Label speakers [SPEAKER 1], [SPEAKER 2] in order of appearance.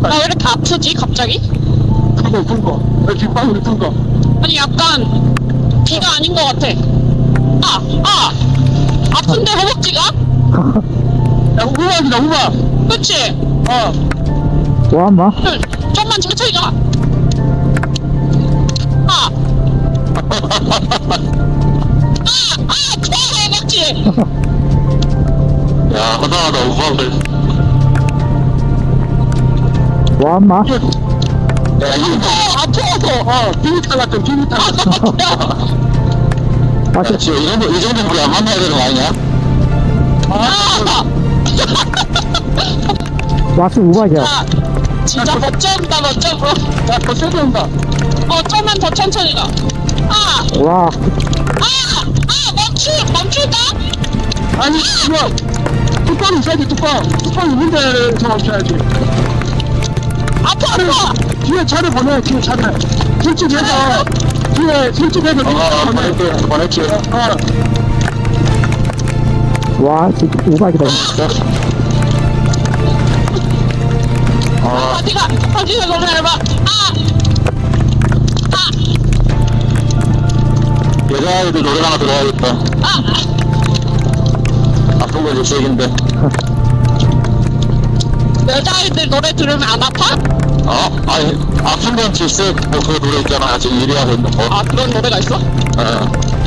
[SPEAKER 1] 나 왜 이렇게 아프지 갑자기?
[SPEAKER 2] 큰거 뒷방울이 큰거
[SPEAKER 1] 아니 약간 비가 아닌 것 같아. 아픈데 허벅지가?
[SPEAKER 2] 야 우박이다 우박
[SPEAKER 1] 그치?
[SPEAKER 3] 와, 인마.
[SPEAKER 1] 좀만 천천히 가. 좋아 허벅지.
[SPEAKER 2] 야 허당하다 우박을
[SPEAKER 3] 와, 인마.
[SPEAKER 2] 야 이거 아파서 비비탄 같은 비비탄 같은
[SPEAKER 3] 아,
[SPEAKER 2] 야, 지금 이 정도 우리 안 만나야 되는 거 아니냐?
[SPEAKER 3] 와, 지금 우박이야.
[SPEAKER 1] 진짜 멋져온다 멋져보.
[SPEAKER 2] 더 세게 온다
[SPEAKER 1] 좀만 더 천천히 가.
[SPEAKER 3] 와,
[SPEAKER 1] 멈출까?
[SPEAKER 2] 아니 이거 뚜껑이 있어야지 뚜껑 있는 데서 멈춰야지
[SPEAKER 1] 아파.
[SPEAKER 2] 뒤에 차를 보내 뒤에 차를 술집에서 뒤에 술집에서 보낼게
[SPEAKER 3] 와, 진짜 우박이다.
[SPEAKER 1] 어디가 너무 얇아.
[SPEAKER 2] 여자아이들 노래방 들어가야겠다 아픈 거 질색인데
[SPEAKER 1] 여자아이들 노래 들으면 안 아파?
[SPEAKER 2] 아니 아픈 건 질색 뭐 그 노래 있잖아 지금 1위 하고 있는 거
[SPEAKER 1] 그런 노래가 있어?
[SPEAKER 2] 어.